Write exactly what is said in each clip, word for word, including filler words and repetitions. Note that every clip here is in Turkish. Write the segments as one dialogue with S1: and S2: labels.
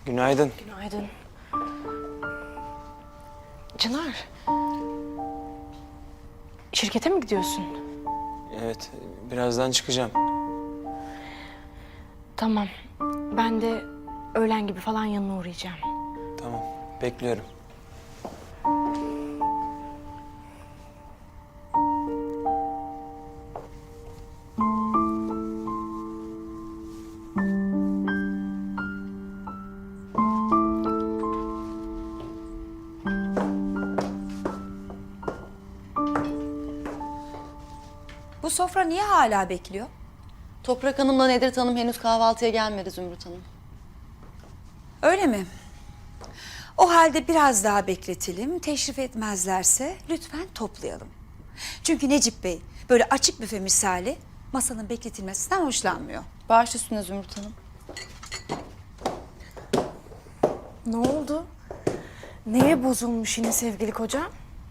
S1: Günaydın.
S2: Günaydın. Çınar. Şirkete mi gidiyorsun?
S1: Evet, birazdan çıkacağım.
S2: Tamam. Ben de öğlen gibi falan yanına uğrayacağım.
S1: Tamam, bekliyorum.
S3: Bu sofra niye hala bekliyor?
S4: Toprak Hanım'la Nedret Hanım henüz kahvaltıya gelmedi Zümrüt Hanım.
S3: Öyle mi? O halde biraz daha bekletelim. Teşrif etmezlerse lütfen toplayalım. Çünkü Necip Bey böyle açık büfe misali masanın bekletilmesinden hoşlanmıyor.
S4: Baş üstüne Zümrüt Hanım.
S2: Ne oldu? Neye bozulmuş yine sevgili kocam?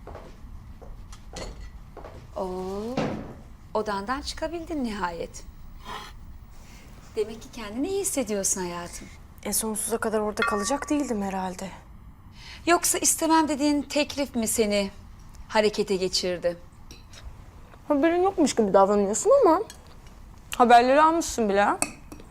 S3: Oo, odandan çıkabildin nihayet. Demek ki kendini iyi hissediyorsun hayatım.
S2: E sonsuza kadar orada kalacak değildim herhalde.
S3: Yoksa istemem dediğin teklif mi seni harekete geçirdi?
S2: Haberin yokmuş gibi davranıyorsun ama haberleri almışsın bile. ha?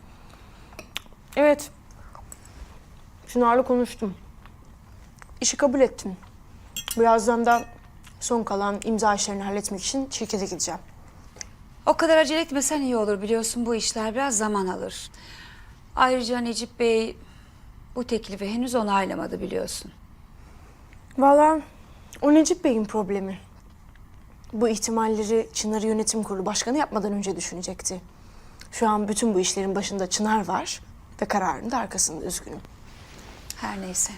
S2: Evet. Çınar'la konuştum. İşi kabul ettim. Birazdan da son kalan imza işlerini halletmek için şirkete gideceğim.
S3: O kadar acele etmesen iyi olur, biliyorsun bu işler biraz zaman alır. Ayrıca Necip Bey bu teklifi henüz onaylamadı biliyorsun.
S2: Vallahi o Necip Bey'in problemi. Bu ihtimalleri Çınar Yönetim Kurulu Başkanı yapmadan önce düşünecekti. Şu an bütün bu işlerin başında Çınar var ve kararının da arkasında, üzgünüm.
S3: Her neyse.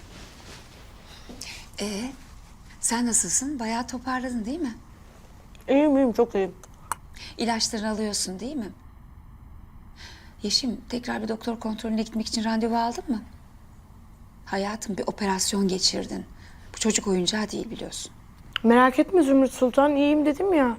S3: Ee, sen nasılsın? Bayağı toparladın değil mi?
S2: İyiyim iyiyim, çok iyiyim.
S3: İlaçlarını alıyorsun değil mi? Yeşim, tekrar bir doktor kontrolüne gitmek için randevu aldın mı? Hayatım, bir operasyon geçirdin. Bu çocuk oyuncağı değil biliyorsun.
S2: Merak etme Zümrüt Sultan, iyiyim dedim ya.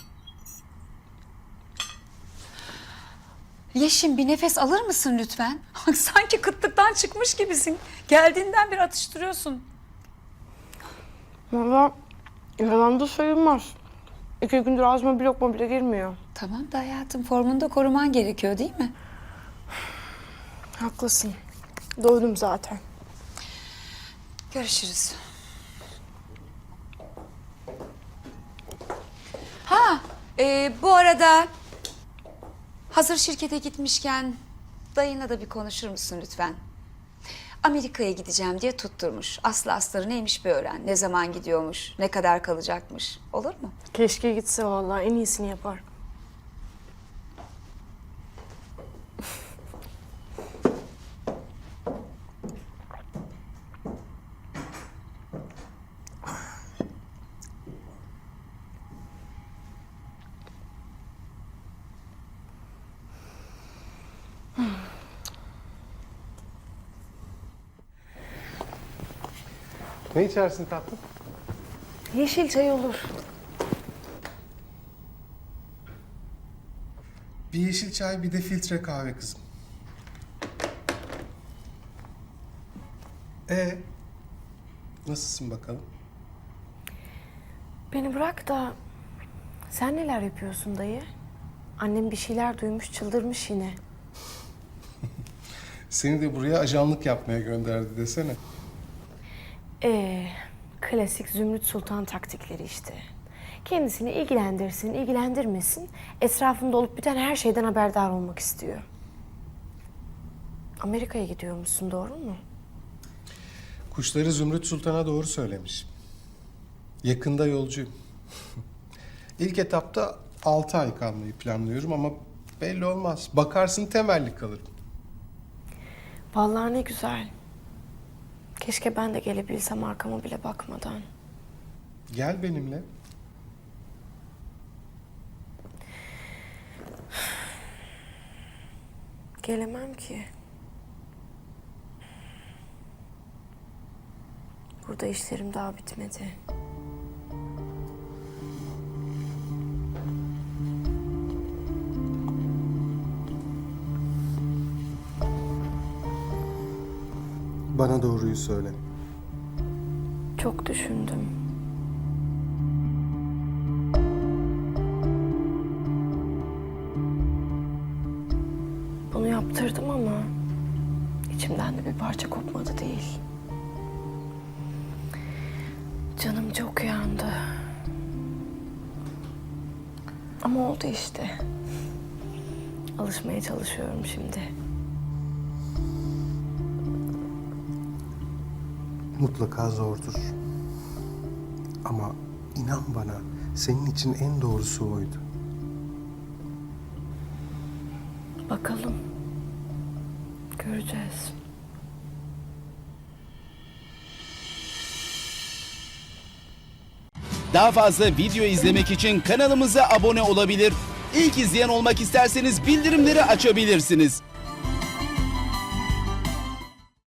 S3: Yeşim, bir nefes alır mısın lütfen? Sanki kıtlıktan çıkmış gibisin. Geldiğinden beri atıştırıyorsun.
S2: Vallahi yalan da sayılmaz. İki gündür ağzıma bir lokma bile girmiyor.
S3: Tamam da hayatım, formunu da koruman gerekiyor değil mi?
S2: Haklısın. Doydum zaten.
S3: Görüşürüz. Ha, e, bu arada hazır şirkete gitmişken dayına da bir konuşur musun lütfen? Amerika'ya gideceğim diye tutturmuş. Aslı astarı neymiş bir öğren. Ne zaman gidiyormuş, ne kadar kalacakmış. Olur mu?
S2: Keşke gitse vallahi, en iyisini yapar.
S5: Ne içersin tatlım?
S2: Yeşil çay olur.
S5: Bir yeşil çay, bir de filtre kahve kızım. Ee, nasılsın bakalım?
S2: Beni bırak da sen neler yapıyorsun dayı? Annem bir şeyler duymuş, çıldırmış yine.
S5: Seni de buraya ajanlık yapmaya gönderdi desene.
S2: Ee, klasik Zümrüt Sultan taktikleri işte. Kendisini ilgilendirsin, ilgilendirmesin, etrafında olup biten her şeyden haberdar olmak istiyor. Amerika'ya gidiyormuşsun, doğru mu?
S5: Kuşları Zümrüt Sultan'a doğru söylemiş. Yakında yolcuyum. İlk etapta altı ay kalmayı planlıyorum ama belli olmaz. Bakarsın temelli kalırım.
S2: Vallahi ne güzel. Keşke ben de gelebilsem arkama bile bakmadan.
S5: Gel benimle.
S2: Gelemem ki. Burada işlerim daha bitmedi.
S5: Bana doğruyu söyle.
S2: Çok düşündüm. Bunu yaptırdım ama içimden de bir parça kopmadı değil. Canım çok yandı. Ama oldu işte. Alışmaya çalışıyorum şimdi.
S5: Mutlaka zordur. Ama inan bana, senin için en doğrusu oydu.
S2: Bakalım. Göreceğiz.
S6: Daha fazla video izlemek için kanalımıza abone olabilir. İlk izleyen olmak isterseniz bildirimleri açabilirsiniz.